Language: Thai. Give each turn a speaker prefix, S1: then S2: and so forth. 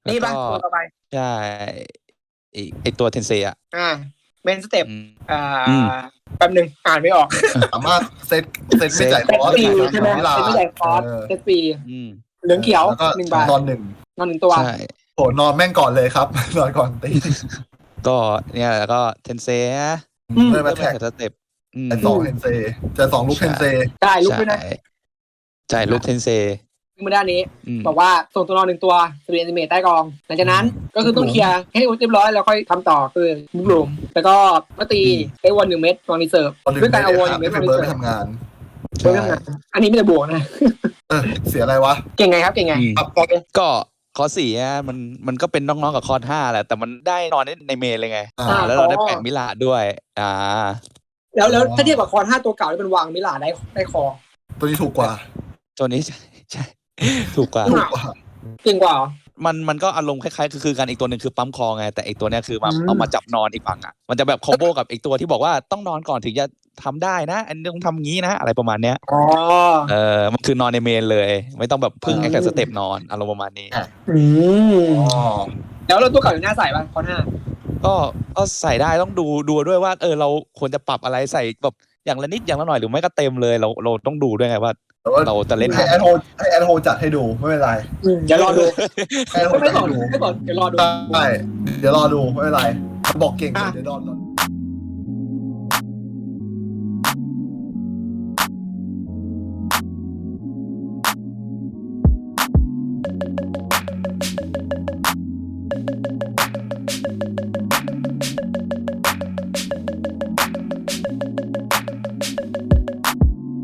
S1: นี่ป่ะตัวต่อไป
S2: ใช่ไอตัวเทนเซอ่ะ
S1: เมนสเต็ป
S2: อืม
S1: แป๊บนึงอ่านไม่ออก
S3: สามารถเซตไม่จ่ายค
S1: เซต
S3: อร์ส
S1: ฟรีใช่ไหม
S3: เวลา
S1: เซตไม่จ่ายคอร์สเซตฟรี
S2: อืม
S1: เหลืองเขียว
S3: แล้วก็
S1: 1 บาท
S3: นอน 1
S1: นอน1 ตัว
S2: ใช่
S3: โหนอนแม่งก่อนเลยครับ นอนก่อนตี
S2: ก็เนี่ยแล้วก็เทนเซนะ
S3: เริ่ม
S2: เริ่
S3: มาม แท็ก
S2: สเต็ป
S3: แต่2เทนเซแต่2ลูกเทนเซ
S1: ได้ลุกด้วยนะ
S2: ใช่ลูกเทนเซ
S1: มือด้านนี้บอกว่าส่งตัวนอน1 ตัวสปีดแอนิเมตใต้กองหลังจากนั้นก็คือต้องเคลียร์ให้เรียบร้อยแล้วค่อยทำต่อคือมุกหลุมแล้วก็มาตีไอ้วน1 เม็ดตอนรีเซิร์ฟด้วยการเอาวน1 เม็ดมารี
S3: เบิร์
S1: เซิ
S3: ด
S1: ร์ฟ
S3: ทำงาน
S1: เพื่อทำงานอันนี้ไม่ได้บวกนะ
S3: เสียอะไรวะ
S1: เก่งไงครับเก่งไงบอกเลย
S2: ก็คอร์ส4อ่ะมันก็เป็นน้องๆกับคอร์ส5แหละแต่มันได้นอนในเมนเลยไงแล้วเราได้แปะมิลาด้วย
S1: แล้วถ้าเทียบกับคอน5 ตัวเก่าที่เป็นวางมิลาได้คอ
S3: ตัวนี้ถูกกว่า
S2: ตัวนี้ใช่ ถูกกว่า
S1: เก่งกว่า
S2: มันก็อารมณ์คล้ายๆคือกันอีกตัวหนึ่งคือปั๊มคอไงแต่อีกตัวเนี้ยคือเอามาจับนอนอีกฝั่งอ่ะมันจะแบบคอมโบกับอีกตัวที่บอกว่าต้องนอนก่อนถึงจะทำได้นะอันนี้ต้องทำงี้นะอะไรประมาณเนี้ยมันคือนอนในเมนเลยไม่ต้องแบบพึ่งไอ้แค่สเต็ปนอนอารมณ์ประมาณนี้
S1: แล้วเราตัวเก่าอยู่หน้าใส่ป่ะคอน5
S2: ก็ใส่ได้ต้องดูด้วยว่าเราควรจะปรับอะไรใส่แบบอย่างละนิดอย่างละหน่อยหรือไม่ก็เต็มเลยเราต้องดูด้วยไงว่าเราจะเล่น
S3: ให้แอดโฮจัดให้ดูไม่เป็นไร
S1: เดี๋ยวรอดู
S3: ไม่สอน
S1: เดี๋ยวรอดู
S3: ใช่เดี๋ยวรอดูไม่เป็นไรบอกเก่งเดี๋ยวรอดู